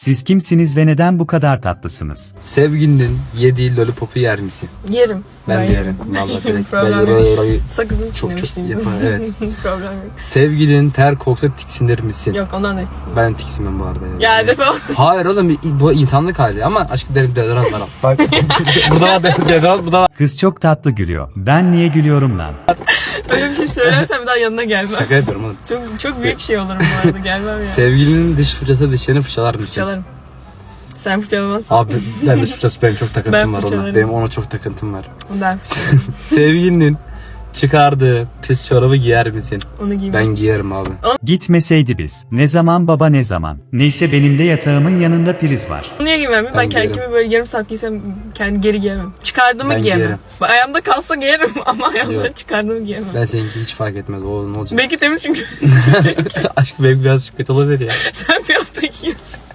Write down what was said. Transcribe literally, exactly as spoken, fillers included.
Siz kimsiniz ve neden bu kadar tatlısınız? Sevgilinin yediği lollipopu yer misin? Yerim. Ben de yerim. Vallahi direkt. Problem Ben yok. Sakızın çok çok çiğnemişliğim. yapar. Evet. Problem yok. Sevgilinin ter koksa tiksinir misin? Yok ondan da eksin. Ben tiksinmem bu arada. Ya. Ya defol. Hayır oğlum bu insanlık hali ama aşkım derim deodorant var. Bak burada var deodorant burada var. Kız çok tatlı gülüyor. Ben niye gülüyorum lan? Öyle bir şey söylersen bir daha yanına gelmem. Şaka yapıyorum oğlum. Çok çok büyük bir şey olurum bu arada, gelmem ya. Sevgilinin diş fırçası dişlerini fırçalar mısın? Fırçalarım. Sen fırçalamazsın. Abi ben diş fırçası benim çok takıntım Ben var ona. fırçalarım. Benim ona çok takıntım var. Ben Sevgilinin çıkardığı pis çorabı giyer misin? onu giymem. Ben giyerim abi. Gitmeseydi biz. Ne zaman baba ne zaman. Neyse benim de yatağımın yanında priz var. Onu niye giymem? Ben, Ben kendimi giyerim. böyle yarım saat giysem kendi geri giyemem. Çıkardığımı Ben giyemem. giyerim. Ayağımda kalsa giyerim ama ayağımda Yok. çıkardığımı giyemem. Ben seninki hiç fark etmez. O ne olacak? Belki temiz çünkü Aşk benim biraz kötü olabilir ya. sen bir hafta giyiyorsun.